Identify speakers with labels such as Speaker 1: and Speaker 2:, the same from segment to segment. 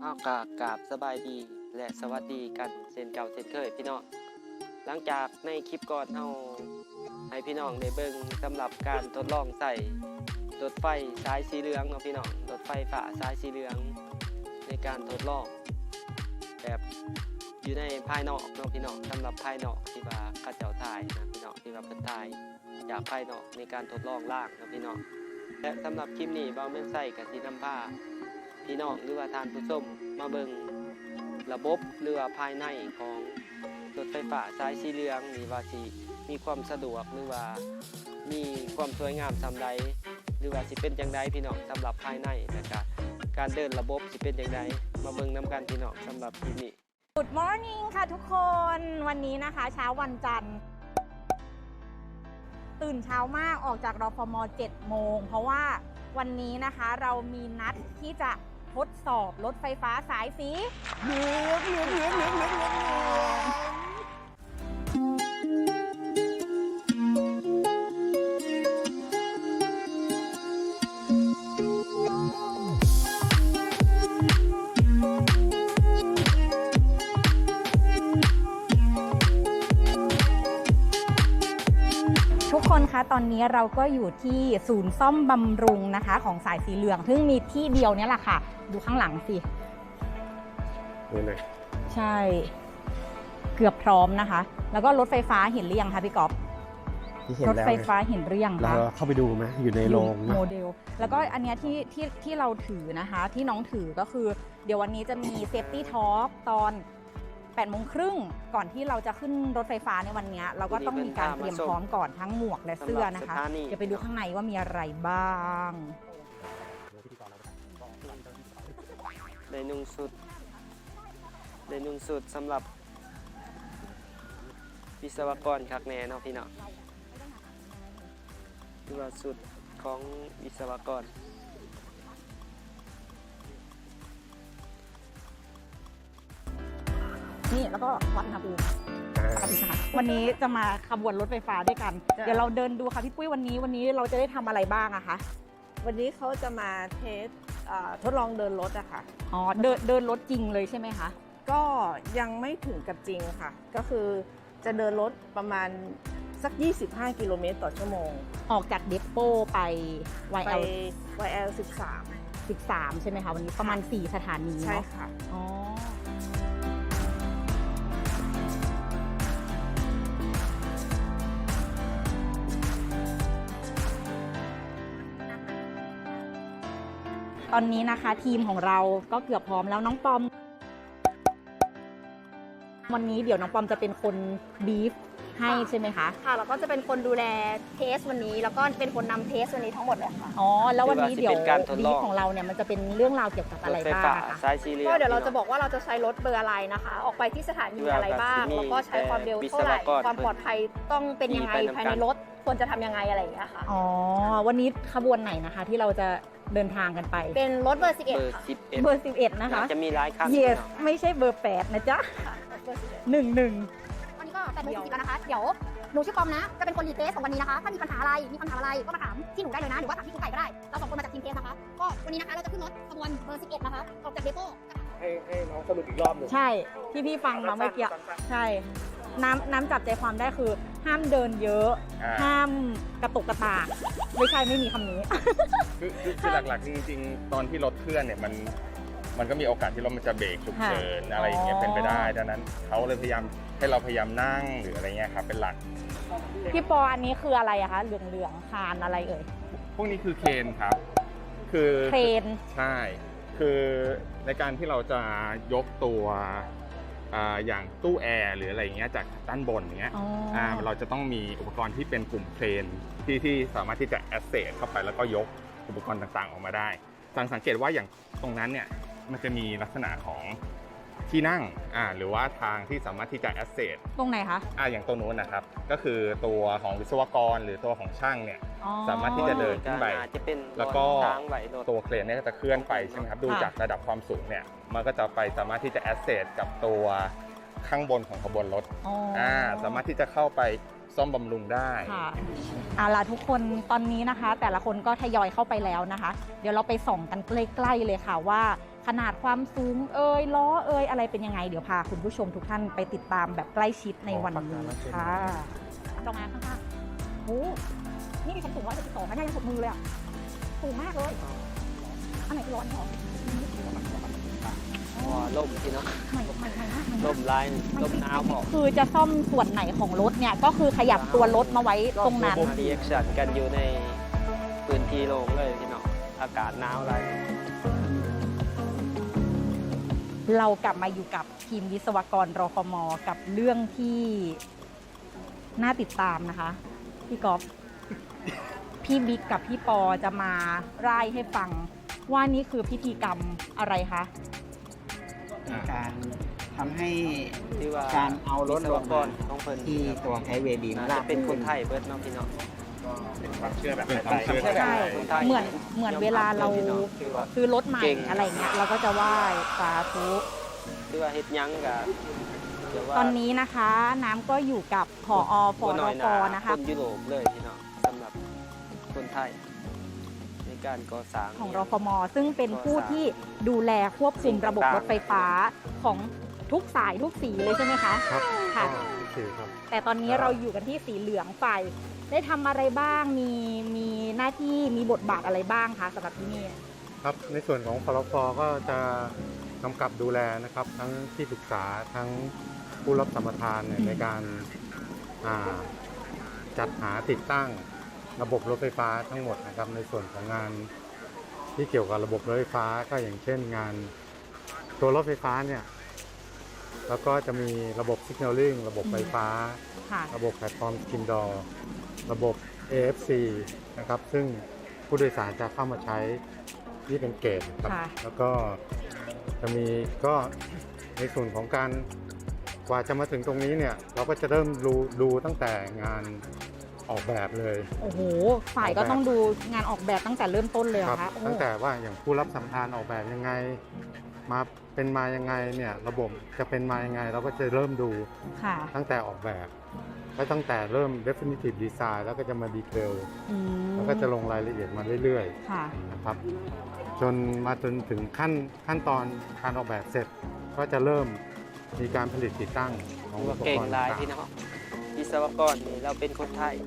Speaker 1: เอากราบสบายดีและสวัสดีกันเช่นเก่าเช่นเคยพี่น้องหลังจากในคลิปก่อนเราให้พี่น้องได้เบิ่งสำหรับการทดลองใส่รถไฟสายสีเหลืองเนาะพี่น้องรถไฟฟ้าสายสีเหลืองในการทดลองแบบอยู่ในภายนอกเนาะพี่น้องสำหรับภายนอกที่ว่าข้าเจ้าถ่ายนะพี่น้องที่ว่าเพิ่นถ่ายจากภายนอกในการทดลองล่างเนาะพี่น้องและสำหรับคลิปนี้เบาแม่นใส่กับสีน้ำผ้าพี่น้องหรือว่าทานผู้ชมมาเบิ่งระบบหรือว่าภายในของรถไฟฟ้าสายสีเหลืองนี่ว่าสิมีความสะดวกหรือว่ามีความสวยงามสำใดหรือว่าสิเป็นจังไดพี่น้องสำหรับภายในและก็การเดินระบบสิเป็นจังไดมาเบิ่งนํกันพี่น้องสำหรับคลิปนี้
Speaker 2: Good morning ค่ะทุกคน วันนี้นะคะเช้าวันจันทร์ตื่นเช้ามากออกจากรฟม. 7 โมงเพราะว่าวันนี้นะคะเรามีนัดที่จะทดสอบรถไฟฟ้าสายสีเหลืองทุกคนคะตอนนี้เราก็อยู่ที่ศูนย์ซ่อมบำรุงนะคะของสายสีเหลืองซึ่งมีที่เดียวเนี่ยแหละค่ะดูข้างหลังสิใช่เกือบพร้อมนะคะแล้วก็รถไฟฟ้าเห็นหรือยังคะพี่ก๊อฟรถไฟฟ้าเห็นหรือยังคะ
Speaker 3: เราเข้าไปดูไหมอยู่ในโรง
Speaker 2: โมเดลแล้วก็อันเนี้ยที่เราถือนะคะที่น้องถือก็คือเดี๋ยววันนี้จะมีเซฟตี้ทอล์กตอน8:30 ก่อนที่เราจะขึ้นรถไฟฟ้าในวันนี้เราก็ต้องมีการเตรียมพร้อมก่อนทั้งหมวกและเสื้อนะคะเดี๋ยวไปดูข้างในว่ามีอะไรบ้าง
Speaker 1: ได้นุ่งสุดสำหรับวิศวกรคักแน่เนาะพี่เนาะคือว่าสุดของวิศวกร
Speaker 2: นี่แล้วก็วัดอุณหภูมิวันนี้จะมาขบวนรถไฟฟ้าด้วยกัน เดี๋ยวเราเดินดูค่ะพี่ปุ้ยวันนี้เราจะได้ทำอะไรบ้างอะคะ
Speaker 4: วันนี้เขาจะมาเทสทดลองเดินรถอะค่ะ
Speaker 2: อ๋อเดินรถจริงเลยใช่ไหมคะ
Speaker 4: ก็ยังไม่ถึงกับจริงค่ะก็คือจะเดินรถประมาณสัก25 กิโลเมตรต่อชั่วโมง
Speaker 2: ออกจากเดปโป้ไป
Speaker 4: YL 13
Speaker 2: ใช่ไหมคะวันนี้ประมาณ4 สถานี
Speaker 4: ใช่ค่ะ
Speaker 2: อ๋อตอนนี้นะคะทีมของเราก็เกือบพร้อมแล้วน้องปอมวันนี้เดี๋ยวน้องปอมจะเป็นคนบีฟให้ใช่ไหมคะ
Speaker 5: ค่ะแล้วก็จะเป็นคนดูแลเทสวันนี้แล้วก็เป็นคนนำเทสวันนี้ทั้งหมดเลยค่ะ
Speaker 2: อ๋อแล้ววันนี้เดี๋ยวบีฟของเราเนี่ยมันจะเป็นเรื่องราวเกี่ยวกับอะไรบ้างคะ
Speaker 5: ก็เดี๋ยวเราจะบอกว่าเราจะใช้รถเบอร์อะไรนะคะออกไปที่สถานีอะไรบ้างแล้วก็ใช้ความเร็วเท่าไหร่ความปลอดภัยต้องเป็นยังไงภายในรถควรจะทำยังไงอะไรอย่างเงี้ยค่ะ
Speaker 2: อ๋อวันนี้ขบวนไหนนะคะที่เราจะเดินทางกันไป
Speaker 5: เป็นรถเบอร์11ค่ะ
Speaker 2: เบอร์11นะคะ
Speaker 1: จะมีหลายคัน
Speaker 2: Yes ไม่ใช่เบอร์8นะจ๊ะ11
Speaker 5: วันนี้ก็8:40แล้วนะคะเดี๋ยวหนูชื่อปอมนะจะเป็นคนรีเทสของวันนี้นะคะถ้ามีปัญหาอะไรก็มาถามที่หนูได้เลยนะหรือว่าถามที่คุณไก่ก็ได้เรา2 คนมาจากทีมเทสนะคะก็วันนี้นะคะเราจะขึ้นรถขบวนเบอร์11นะคะออกจากเดโป้
Speaker 3: ให้น้องสรุปอีกรอบหนึ่ง
Speaker 2: ใช่ที่พี่ฟังมาเมื่อกี้ใช่น้ำจับใจความได้คือห้ามเดินเยอะห้ามกระตุกกระตากไม่มีคำนี้
Speaker 3: คือหลักๆจริงๆตอนที่รถเคลื่อนเนี่ยมันก็มีโอกาสที่รถมันจะเบรกฉุกเฉินอะไรอย่างเงี้ยเป็นไปได้ดังนั้นเขาเลยพยายามให้เราพยายามนั่งหรืออะไรเงี้ยครับเป็นหลัก
Speaker 2: พี่ปออันนี้คืออะไรอะคะเหลืองคานอะไรเอ่ย
Speaker 3: พวกนี้คือเครนครับคือ
Speaker 2: เครน
Speaker 3: ใช่คือในการที่เราจะยกตัวอย่างตู้แอร์หรืออะไรเงี้ยจากด้านบนเงี้ยเราจะต้องมีอุปกรณ์ที่เป็นกลุ่มเครนที่สามารถที่จะแอสเซสเข้าไปแล้วก็ยกอุปกรณ์ต่างๆออกมาได้สังเกตว่าอย่างตรงนั้นเนี่ยมันจะมีลักษณะของที่นั่งหรือว่าทางที่สามารถที่จะแอสเซส
Speaker 2: ตรงไหนคะ
Speaker 3: อย่างตรงนู้นนะครับก็คือตัวของวิศวกรหรือตัวของช่างเนี่ยสามารถที่จะเดินขึ้นไปแล้วก็ตัวเครนเนี่ยจะเคลื่อนไปใช่ไหมครับดูจากระดับความสูงเนี่ยมันก็จะไปสามารถที่จะแอสเซสกับตัวข้างบนของขบวนรถสามารถที่จะเข้าไปซ่อมบำรุงได้
Speaker 2: ค่ะล่ะทุกคนตอนนี้นะคะแต่ละคนก็ทยอยเข้าไปแล้วนะคะเดี๋ยวเราไปส่องกันใกล้ๆเลยค่ะว่าขนาดความสูงล้ออะไรเป็นยังไงเดี๋ยวพาคุณผู้ชมทุกท่านไปติดตามแบบใกล้ชิดในวันนี้ค่ะลงมาข้างๆโอ้นี่มีความสูง172นะเนี่ยยังสุดมือเลยอ่ะสูงมากเลยอันไหนคือร้อนหรอ
Speaker 1: ว้าล่มพี่น้อง
Speaker 2: ใหม่มาก
Speaker 1: ล่มลายล่มหนาวพอ
Speaker 2: คือจะซ่อมส่วนไหนของรถเนี่ยก็คือขยับตัวรถมาไว้ตรงนั้น
Speaker 1: รีแอคชั่นกันอยู่ในพื้นที่โล่งเลยพี่น้องอากาศหนาวอะไร
Speaker 2: เรากลับมาอยู่กับทีมวิศวกรรฟม.กับเรื่องที่น่าติดตามนะคะพี่ก๊อฟพี่บิ๊กกับพี่ปอจะมาร่ายให้ฟังว่านี่คือพิธีกรรมอะไรคะ
Speaker 6: การทำให้
Speaker 1: ที่ว่า
Speaker 6: การเอารถ
Speaker 1: วิศ
Speaker 6: ล
Speaker 1: ว
Speaker 6: ง
Speaker 1: ก
Speaker 6: มาร
Speaker 1: ของเพิ่น
Speaker 6: ที่ตัวไฮเวย์บีม
Speaker 1: น่า
Speaker 6: ลา
Speaker 1: จะ
Speaker 6: ก
Speaker 1: เป็นคนไทยเบิดเนาะพี่น้อง
Speaker 3: เป็นความเชื่อแบบ
Speaker 1: เป็นความเชื่อแบบ
Speaker 2: ใช่
Speaker 1: คนไทย
Speaker 2: เหมือนเวลาเราซื้อรถใหม่
Speaker 1: เก่ง
Speaker 2: อะไรเงี้ยเราก็จะไหว้สาธุ
Speaker 1: ที่ว่าเฮ็ดหยังกับเดี๋ยวว่า
Speaker 2: ตอนนี้นะคะน้ำก็อยู่กับผอฟ
Speaker 1: บ่
Speaker 2: ร
Speaker 1: น้อย
Speaker 2: ฟ
Speaker 1: นา
Speaker 2: นะคะ
Speaker 1: คนยุโรปเลยพี่น้องสำหรับคนไทย ในการก่อสร้าง
Speaker 2: ของรฟม.ซึ่งเป็นผู้ที่ดูแลควบคุมระบบรถไฟฟ้าของทุกสายทุกสีเลยใช่ไหมคะ
Speaker 3: ครับ
Speaker 2: ค่ะ
Speaker 3: คือครับ
Speaker 2: แต่ตอนนี้เราอยู่กันที่สีเหลืองฝ่ายได้ทำอะไรบ้างมีหน้าที่มีบทบาทอะไรบ้างคะสำหรับที่นี่
Speaker 7: ครับในส่วนของพลฟก็จะกำกับดูแลนะครับ ทั้งที่ปรึกษาทั้งผู้รับสัมปทานเนี่ยในการจัดหาติดตั้งระบบรถไฟฟ้าทั้งหมดนะครับในส่วนของงานที่เกี่ยวกับระบบรถไฟฟ้าก็อย่างเช่นงานตัวรถไฟฟ้าเนี่ยแล้วก็จะมีระบบ Signaling ระบบไฟฟ้า
Speaker 2: ค่ะ
Speaker 7: ระบบแพลตฟอร์มสกินดอร์ระบบ AFC นะครับซึ่งผู้โดยสารจะเข้ามาใช้ที่เป็นเกตครับ
Speaker 2: ค่ะ
Speaker 7: แล้วก็จะมีก็ในส่วนของการกว่าจะมาถึงตรงนี้เนี่ยเราก็จะเริ่มดูตั้งแต่งานออกแบบเลย
Speaker 2: โอ้โหฝ่ายก็ต้องดูงานออกแบบตั้งแต่เริ่มต้นเลยเหร
Speaker 7: ครั
Speaker 2: อคะโอ้
Speaker 7: ตั้งแต่ว่าอย่างผู้รับสัมปทานออกแบบยังไงมาเป็นมายังไงเนี่ยระบบจะเป็นมายังไงเราก็จะเริ่มดู
Speaker 2: ค่ะ
Speaker 7: ตั้งแต่ออกแบบแล้วตั้งแต่เริ่ม definitive design แล้วก็จะมาดีเทล
Speaker 2: อืม
Speaker 7: แล้วก็จะลงรายละเอียดมาเรื่อย
Speaker 2: ค่ะ
Speaker 7: ๆนะครับจนมาจนถึงขั้นตอนการออกแบบเสร็จ ก็จะเริ่มมีการผลิตติดตั้งของอุ
Speaker 1: ว่า
Speaker 7: ป
Speaker 1: เก่
Speaker 7: ก
Speaker 1: ง
Speaker 7: รณ์
Speaker 1: หลาย
Speaker 7: ต่าง
Speaker 1: พี่น้องวิศวกรนี่เราเป็นคนไทย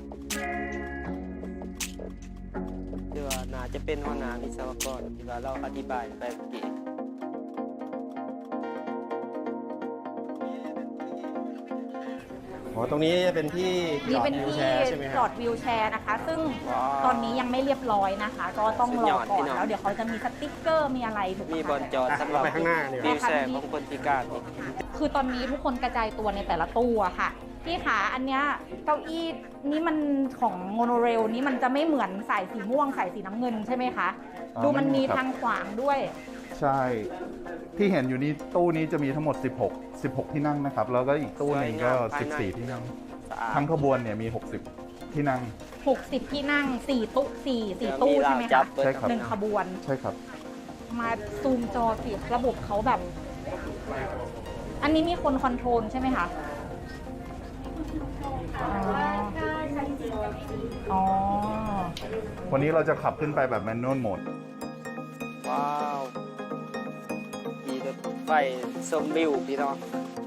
Speaker 1: ที่ว่าน่าจะเป็นหัวหน้าวิศวกรที่ว่าเราอธิบายไปเมื่อกี้
Speaker 8: อ๋อตรงนี้จะเป็นที่จ
Speaker 2: นี่
Speaker 8: อด
Speaker 2: เป็น
Speaker 8: วิว
Speaker 2: ที่
Speaker 8: แชร์ใช่ไหมค
Speaker 2: จอ
Speaker 8: รับ
Speaker 2: ดวิวแชร์นะคะ ซึ่ง
Speaker 1: ว้าว
Speaker 2: ตอนนี้ยังไม่เรียบร้อยนะคะ ก็ต้องรอ
Speaker 1: สุดยอด
Speaker 2: ก่อ
Speaker 1: พี่
Speaker 2: น
Speaker 1: น้อง
Speaker 2: แล้วเดี๋ยวเขาจะมีสติ๊กเกอร์มีอะไรถูกไห
Speaker 1: มี
Speaker 2: ม
Speaker 1: บอล
Speaker 2: คะ
Speaker 1: จอดสำหรับ
Speaker 8: ไปข้างหน้าดีกว่า
Speaker 1: วิวแชร์ของคนพิการนี่
Speaker 2: คือตอนนี้ทุกคนกระจายตัวในแต่ละตู้อะค่ะพี่ขาอันเนี้ยเก้าอี้นี่มันของโมโนเรลนี่มันจะไม่เหมือนสายสีม่วงสายสีน้ำเงินใช่ไหมคะ ดูมันมีทางขวางด้วย
Speaker 9: ใช่ ที่เห็นอยู่นี้ตู้นี้จะมีทั้งหมด 16 ที่นั่งนะครับ แล้วก็อีกตู้หนึงก็ 14 ที่นั่ง
Speaker 1: สะอาด
Speaker 9: ทั้งขบวนเนี่ยมี 60 ที่นั่ง
Speaker 2: 60 ที่นั่ง4ตู้4ตู้ใช่ไหม
Speaker 1: จั
Speaker 2: คะ
Speaker 1: บเปิด
Speaker 9: ใช่ครับ
Speaker 2: หนึ่งขบวน
Speaker 9: ใช่ครับ
Speaker 2: มาซูมจอสิระบบเขาแบบ อันนี้มีคนคอนโทรลใช่ไหมคะอ๋ออ๋อ
Speaker 9: วันนี้เราจะขับขึ้นไปแบบแมนนวลโหมด
Speaker 1: ว้าวมีรถไฟชมวิวพี่น้อง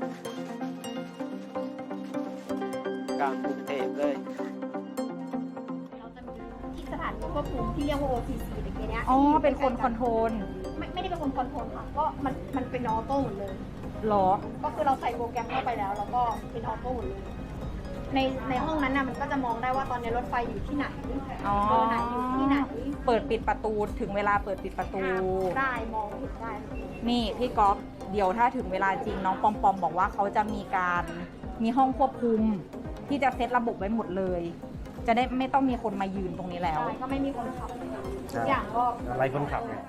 Speaker 1: กลางกรุงเทพเลย
Speaker 5: เราจะมีที่สถานีควบคุมที่เรียกว่า OTC ตะกี้เนี้ย
Speaker 2: อ๋อ เป็นคนคอนโทรล
Speaker 5: ไม่ได้เป็นคนคอนโทรลค่ะ ก็มันเป็นออโต้หมดเลย
Speaker 2: หรอ
Speaker 5: ก็คือเราใส่โปรแกรมเข้าไปแล้วแล้วก็เป็นออโต้หมดเลย ในห้องนั้นน่ะมันก็จะมองได้ว่าตอนนี้รถไฟอยู่ที่ไหน
Speaker 2: อ๋อ
Speaker 5: เบอร์ไหนอยู่ที่ไหน
Speaker 2: เปิดปิดประตูถึงเวลาเปิดปิดประตู
Speaker 5: ได้มองเห็นได้
Speaker 2: นี่พี่ก๊อฟเดี๋ยวถ้าถึงเวลาจริงน้องปอมปอมบอกว่าเขาจะมีห้องควบคุม ที่จะเซตระบบไว้หมดเลย จะได้ไม่ต้องมีคนมายืนตรงนี้แล้ว
Speaker 5: ก็ไม่มีคนขับทุกอย่างก็
Speaker 8: อะไรคนขับไง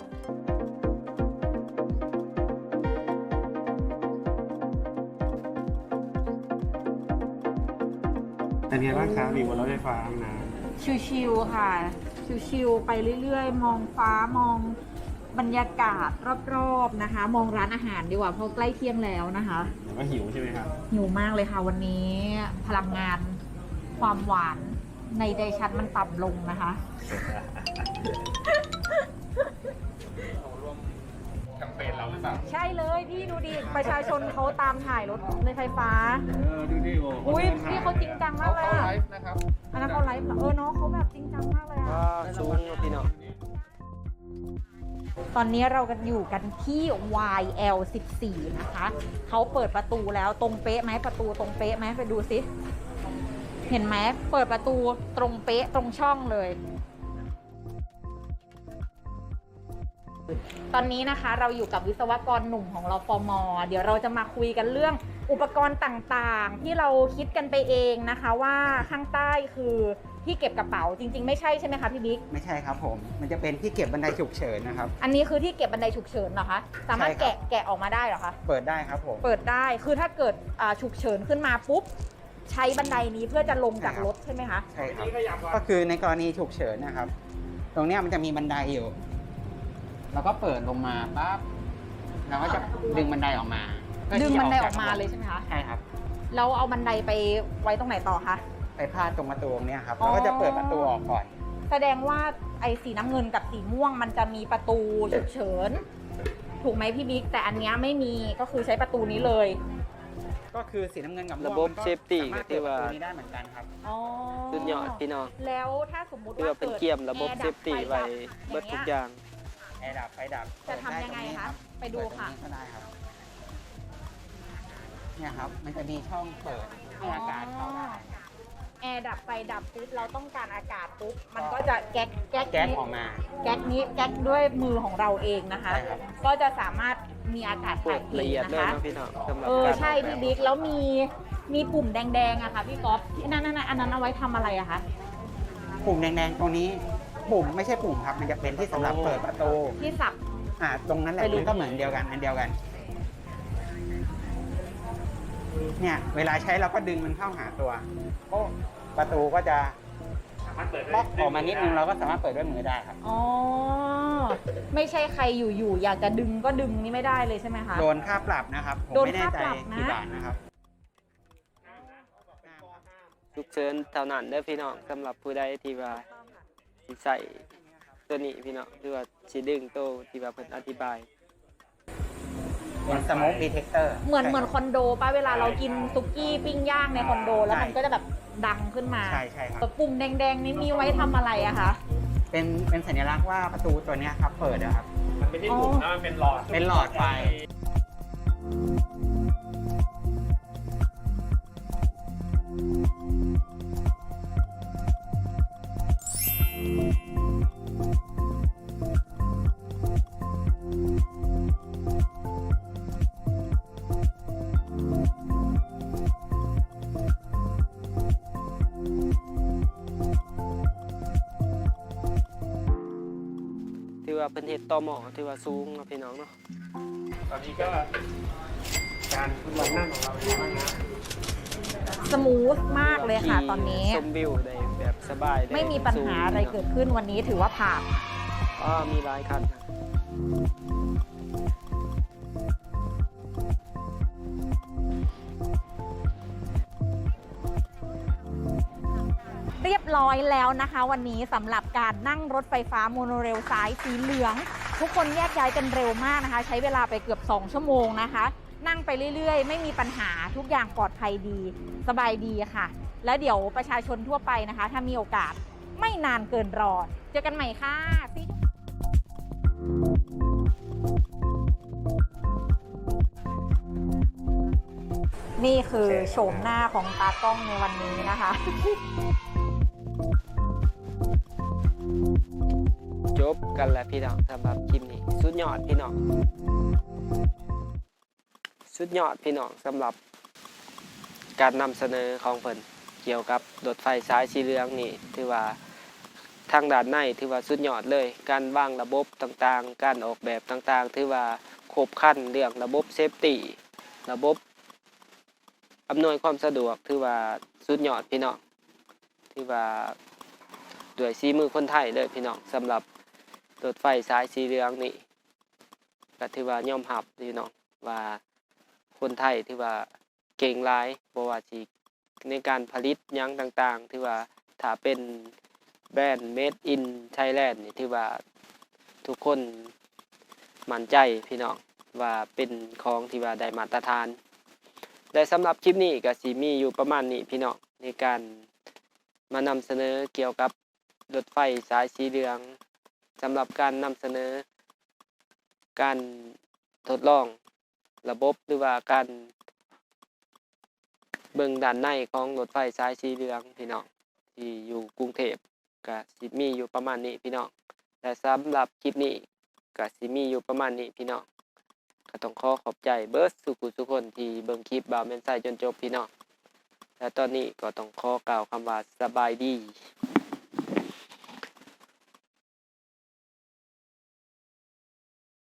Speaker 8: เป็นไงบ้างครับมีบนรถไฟฟ้านะ
Speaker 2: ชิวๆค่ะ ชิวๆไปเรื่อยๆ มองฟ้ามองบรรยากาศรอบๆนะคะ มองร้านอาหารดีกว่าเพราะใกล้เที่ยงแล้วนะคะ
Speaker 8: เดี๋ยวก็หิวใช่ไหมครับ
Speaker 2: หิวมากเลยค่ะวันนี้พลังงานความหวานในใจฉันมันต่ำลงนะคะ
Speaker 3: เปนเราหรือเปล่า
Speaker 2: ใช่เลยพี่ดูดิประชาชนเขาตามถ่ายรถในไฟฟ้า
Speaker 3: ดูดิโอ้
Speaker 2: อุ้ยพี่เขาจริงจังมากเลย
Speaker 3: เขา
Speaker 2: อะ
Speaker 3: ไลฟ์นะครับ
Speaker 2: อันนั้นเขาไลฟ์เหรอน้องเขาแบบจริงจังมากเลยอะ
Speaker 1: ก็สูงเนาะพี่น้อง
Speaker 2: ตอนนี้เรากันอยู่กันที่ YL14 นะคะเขาเปิดประตูแล้วตรงเป๊ะไหมประตูตรงเป๊ะไหมไปดูสิเห็นไหมเปิดประตูตรงเป๊ะตรงช่องเลย ตอนนี้นะคะเราอยู่กับวิศวกรหนุ่มของเราฟม.เดี๋ยวเราจะมาคุยกันเรื่องอุปกรณ์ต่างๆ ที่เราคิดกันไปเองนะคะว่าข้างใต้คือที่เก็บกระเป๋าจริงๆไม่ใช่ใช่ไหมคะพี่บิ๊ก
Speaker 6: ไม่ใช่ครับผม มันจะเป็นที่เก็บบันไดฉุกเฉินนะครับ
Speaker 2: อันนี้คือที่เก็บบันไดฉุกเฉินเหรอคะสามารถ
Speaker 6: ใช่ครับ
Speaker 2: แกะออกมาได้เหรอคะ
Speaker 6: เปิดได้ครับผม
Speaker 2: เปิดได้คือถ้าเกิดฉุกเฉินขึ้นมาปุ๊บใช้บันไดนี้เพื่อจะลงจากรถใช่ไหมคะ
Speaker 6: ใช่ครับ ก็คือในกรณีฉุกเฉินนะครับ ตรงเนี้ยมันจะมีบันไดอยู่ แล้วก็เปิดลงมาปั๊บเราก็จะดึงบันไดออกมาเพื่
Speaker 2: ดึง
Speaker 6: ที่จะ
Speaker 2: บันไดอ
Speaker 6: จ
Speaker 2: อกมาเลยใช่ไหมคะ
Speaker 6: ใช่ครับ
Speaker 2: แล้วเอาบันไดไปไว้ตรงไหนต่อคะ
Speaker 6: ไปพาดตรงประตูตรงเนี้ยครับ
Speaker 2: อ๋อ
Speaker 6: เราก็จะเปิดประตูออกก่อน
Speaker 2: แสดงว่าไอ้สีน้ำเงินกับสีม่วงมันจะมีประตูฉุกเฉินถูกไหมพี่บิ๊กแต่อันเนี้ยไม่มีก็คือใช้ประตูนี้เลย
Speaker 6: ก็คือสีน้ำเงินกับม่วง
Speaker 1: ระบบ
Speaker 6: มันก็
Speaker 1: safety
Speaker 6: สามารถ
Speaker 1: ที่
Speaker 6: เปิดประ
Speaker 1: ว่า
Speaker 6: ตูนี้ได้เหมือนกันครับ
Speaker 2: อ๋อ
Speaker 1: สุดยอดพี่น้อง
Speaker 2: แล้วถ้าสมมุติ
Speaker 1: ที่
Speaker 2: ว่า
Speaker 1: ว่าเป็น
Speaker 2: เกิด
Speaker 1: เกียมระบบ
Speaker 2: แอร์
Speaker 1: เซ
Speaker 2: ดั
Speaker 1: ฟตี้
Speaker 2: ฟ
Speaker 1: ไว้
Speaker 2: ดั
Speaker 1: เบิดทุกอย่าง
Speaker 6: แอร์ดับไฟดับ
Speaker 2: จะทำยังไงคะไปดูค่ะ
Speaker 6: เปิตรงนี้ก็ได้ครับ เนี่ยครับ มันจะมีช่องเปิดให้อากาศเข้าได้
Speaker 2: แอร์ดับไฟดับปุ๊บเราต้องการอากาศปุ๊บมันก็จะแก๊ก
Speaker 6: แก๊ส
Speaker 2: นี้
Speaker 6: ออกมา
Speaker 2: แก๊กนี้แก๊กด้วยมือของเราเองนะคะ
Speaker 6: ใช่ครับ
Speaker 2: ก็จะสามารถมีอากาศ
Speaker 1: พว
Speaker 2: ถ่าก ยเท
Speaker 1: ละเอียด
Speaker 2: นะ
Speaker 1: เลย
Speaker 2: คะ
Speaker 1: เนาะพี่น้องสำหรับ การ
Speaker 2: ใช่
Speaker 1: ออกแบบ
Speaker 2: พี่บิ๊กแล้วมีปุ่มแดงๆอะค่ะพี่ก๊อฟนั่นอันนั้นเอาไว้ทำอะไรอะคะ
Speaker 6: ปุ่มแดงๆตรงนี้ ปุ่มไม่ใช่ปุ่มครับ มันจะเป็นที่สำหรับเปิดประตู
Speaker 2: ที่สับ
Speaker 6: ตรงนั้นแหละ
Speaker 2: ไปดู
Speaker 6: มันก็เหมือนเดียวกัน อันเดียวกัน เนี่ย เวลาใช้เราก็ดึงมันเข้าหาตัวโอ้ประตูก็จะบล็อกออกมานิดนึงเราก็สามารถเปิดด้วยมือได้ครับ
Speaker 2: อ๋อไม่ใช่ใครอยู่ๆอยากจะดึงก็ดึงนี่ไม่ได้เลยใช่ไหมคะ
Speaker 6: โดนค่าปรับนะครับ ผม
Speaker 2: โดน
Speaker 6: ไม่แน่
Speaker 2: ค่า
Speaker 6: ใจ
Speaker 2: ปรับนะ
Speaker 6: กี่บาทนะครับ
Speaker 1: ฉุกเฉินเท่านั้นเด้อพี่น้องสำหรับผู้ใดที่ว่าสิใส่ตัวนี้พี่น้องหรือว่าสิดึงโตวที่ว่าเพิ่นอธิบาย
Speaker 6: เป็นสโมกดีเทคเตอร์
Speaker 2: เหมือนคอนโดป่ะเวลาเรากินซุกี้ปิ้งย่างในคอนโดแล้วมันก็จะแบบดังขึ้นมา
Speaker 6: ใช่ใช่ครับ
Speaker 2: ปุ่มแดงๆนี้มีไว้ทำอะไรอะคะ
Speaker 6: เป็นสัญลักษณ์ว่าประตูตัวเนี้ยครับเปิดนะครับ
Speaker 8: มันไม่ใช่ถุงนะมันเป็นหลอด
Speaker 6: เป็นหลอดไฟ
Speaker 1: ที่ว่าเพิ่นเฮ็ดต่อหม้อที่ว่าสูงเนาะพี่น้องเนาะ
Speaker 8: ตอนนี้ก็การทดลองนั่งของเราเป็นยังไงบ้างนะ
Speaker 2: สมูทมากเลยค่ะตอนนี้
Speaker 1: ชมวิวได้แบบสบายด้
Speaker 2: ไม่มีปัญหาอะไรเกิดขึ้นวันนี้ถือว่าผ่าน
Speaker 1: มีหลายคันนะ
Speaker 2: เรียบร้อยแล้วนะคะ วันนี้สำหรับการนั่งรถไฟฟ้าโมโนเรลสายสีเหลือง ทุกคนแยกย้ายกันเร็วมากนะคะ ใช้เวลาไปเกือบ2ชั่วโมงนะคะ นั่งไปเรื่อยๆ ไม่มีปัญหาทุกอย่างปลอดภัยดีสบายดีค่ะ แล้วเดี๋ยวประชาชนทั่วไปนะคะ ถ้ามีโอกาสไม่นานเกินรอเจอกันใหม่ค่ะนี่คือโฉมหน้าของตากล้องในวันนี้นะคะ
Speaker 1: จบกันแล้วพี่น้องสำหรับคลิปนี้สุดยอดพี่น้องสุดยอดพี่น้องสำหรับการนำเสนอของเพิ่นเกี่ยวกับรถไฟสายสีเหลืองนี่ถือว่าทางด้านในถือว่าสุดยอดเลยการวางระบบต่างๆการออกแบบต่างๆถือว่าครบครันเรื่องระบบเซฟตี้ระบบอำนวยความสะดวกถือว่าสุดยอดพี่น้องถือว่าด้วยฝีมือคนไทยเลยพี่น้องสำหรับรถไฟสายสีเหลืองนี่ก็ถือว่ายอมรับพี่น้องว่าคนไทยถือว่าเก่งหลายบ่ว่าสิในการผลิตหยังต่างๆถือว่าถ้าเป็นแบรนด์ Made in Thailand นี่ถือว่าทุกคนมั่นใจพี่น้องว่าเป็นของที่ว่าได้มาตรฐานและสำหรับคลิปนี้ก็สิมีอยู่ประมาณนี้พี่น้องในการมานำเสนอเกี่ยวกับรถไฟสายสีเหลืองสำหรับการนำเสนอการทดลองระบบหรือว่าการเบิ่งด้านในของรถไฟสายสีเหลืองพี่น้องที่อยู่กรุงเทพก็สิมีอยู่ประมาณนี้พี่น้องและสำหรับคลิปนี้ก็สิมีอยู่ประมาณนี้พี่น้องก็ต้องขอบใจเบิร์ดทุกคนที่เบิ่งคลิปบ่าวแม่นไส้จนจบพี่น้องและตอนนี้ก็ต้องขอกล่าวคำว่าสบายดี